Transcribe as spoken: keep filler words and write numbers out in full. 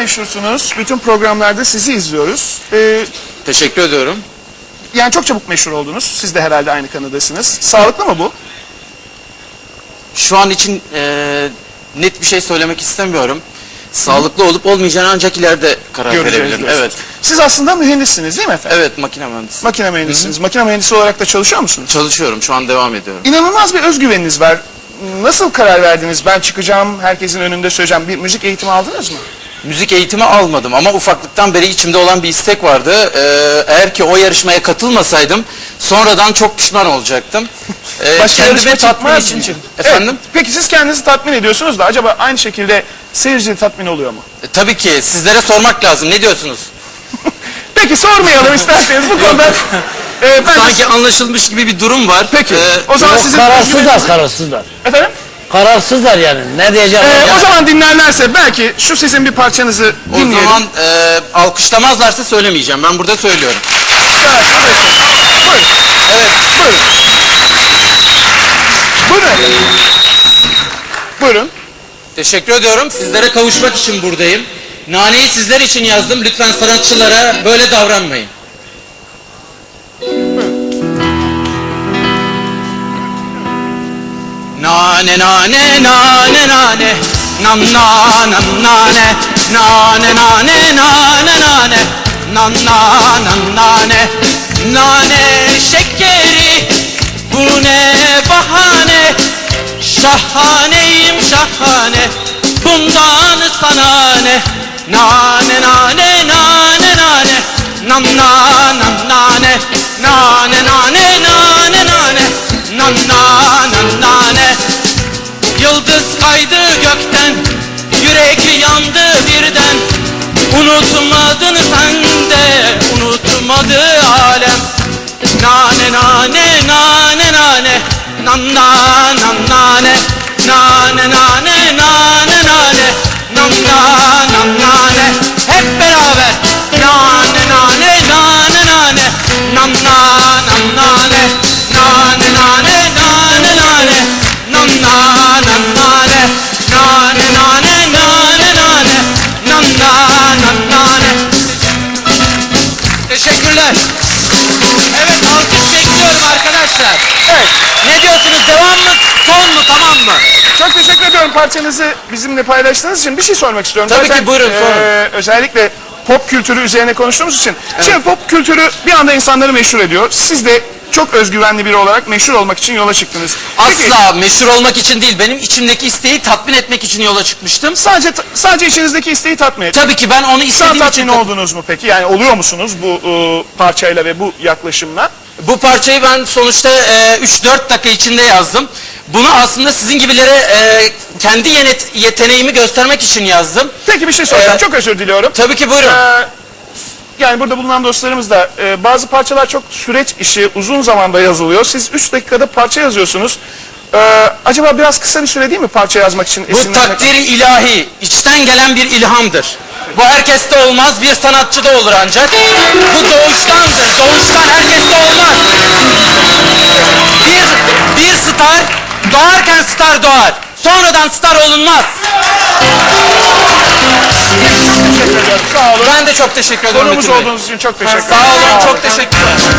meşhursunuz. Bütün programlarda sizi izliyoruz. Ee, Teşekkür ediyorum. yani çok çabuk meşhur oldunuz. Siz de herhalde aynı kanıdasınız. Sağlıklı mı bu? Şu an için e, net bir şey söylemek istemiyorum. Sağlıklı olup olmayacağını ancak ileride karar Göreceğiz verebilirim. diyorsunuz. Evet. Siz aslında mühendissiniz değil mi efendim? Evet, makine mühendisi. Makine mühendisiniz. Makine mühendisi olarak da çalışıyor musunuz? Çalışıyorum, şu an devam ediyorum. İnanılmaz bir özgüveniniz var. Nasıl karar verdiniz? Ben çıkacağım, herkesin önünde söyleyeceğim. Bir müzik eğitimi aldınız mı? Müzik eğitimi almadım ama ufaklıktan beri içimde olan bir istek vardı. Ee, eğer ki o yarışmaya katılmasaydım sonradan çok pişman olacaktım. Ee, Başka yarışma kendimi tatmin çıkmaz için mı? çıktım. Efendim? Evet. Peki siz kendinizi tatmin ediyorsunuz da acaba aynı şekilde seyirci tatmin oluyor mu? E, tabii ki sizlere sormak lazım. Ne diyorsunuz? Peki sormayalım isterseniz bu konuda. E, ben Sanki anlaşılmış gibi bir durum var. Peki. Ee, o zaman Yok, sizin kararsızlar, kararsızlar. Efendim? Kararsızlar yani. Ne diyeceğim? Ee, o zaman dinlerlerse belki şu sizin bir parçanızı o dinleyelim. zaman e, alkışlamazlarsa söylemeyeceğim. Ben burada söylüyorum. Evet, buyurun. Evet. Buyurun. Buyurun efendim. Buyurun. Teşekkür ediyorum. Sizlere kavuşmak için buradayım. Naneyi sizler için yazdım. Lütfen sanatçılara böyle davranmayın. Nane nane nane nane nam na nam nane nane nane nane nane nam na nam nane nane şekeri bu ne bahane şahaneyim şahane bundan sana ne nane nane nane nane nam na nam nane nane nane nane nane nam na nam nane yıldız kaydı gökten yürek yandı birden unutmadın sen de unutmadı alem nane nane nane nane nam na nam nane nane nane nane nane nam na nam nane hep beraber nane nane nane nane nam na nam nane nane nane nane nane nam na nam nane nane nane nane nane nam na nam nane teşekkürler. Evet, alkış bekliyorum arkadaşlar. Evet. Ne diyorsunuz? Devam mı? Son mu? Tamam mı? Çok teşekkür ediyorum parçanızı bizimle paylaştığınız için. Bir şey sormak istiyorum. Tabii Zaten, ki, buyurun, sorun. e, özellikle pop kültürü üzerine konuştuğumuz için. Evet. Şimdi pop kültürü bir anda insanları meşhur ediyor. Siz de çok özgüvenli biri olarak meşhur olmak için yola çıktınız. Peki, Asla meşhur olmak için değil, benim içimdeki isteği tatmin etmek için yola çıkmıştım. sadece sadece içinizdeki isteği tatmin et. Tabii ki ben onu Şu an istediğim için... tatmin oldunuz mu peki? Yani oluyor musunuz bu e, parçayla ve bu yaklaşımla? Bu parçayı ben sonuçta üç dört dakika içinde yazdım. Bunu aslında sizin gibilere e, kendi yenet, yeteneğimi göstermek için yazdım. Peki bir şey soracağım. Ee, çok özür diliyorum. Tabii ki, buyurun. Ee, yani burada bulunan dostlarımız da e, bazı parçalar çok süreç işi, uzun zamanda yazılıyor. Siz üç dakikada parça yazıyorsunuz. Ee, acaba biraz kısa bir süre değil mi parça yazmak için? Bu esinlenmek- takdiri ilahi, içten gelen bir ilhamdır. Bu herkeste olmaz, bir sanatçıda olur ancak. Bu doğuştandır, doğuştan herkeste olmaz. Bir, bir star, doğarken star doğar. Sonradan star olunmaz. Teşekkür ediyorum. Sağ olun. Ben de çok teşekkür ederim. Konuğumuz Metin Bey. olduğunuz için çok teşekkür ederim. Sağ olun, çok teşekkürler.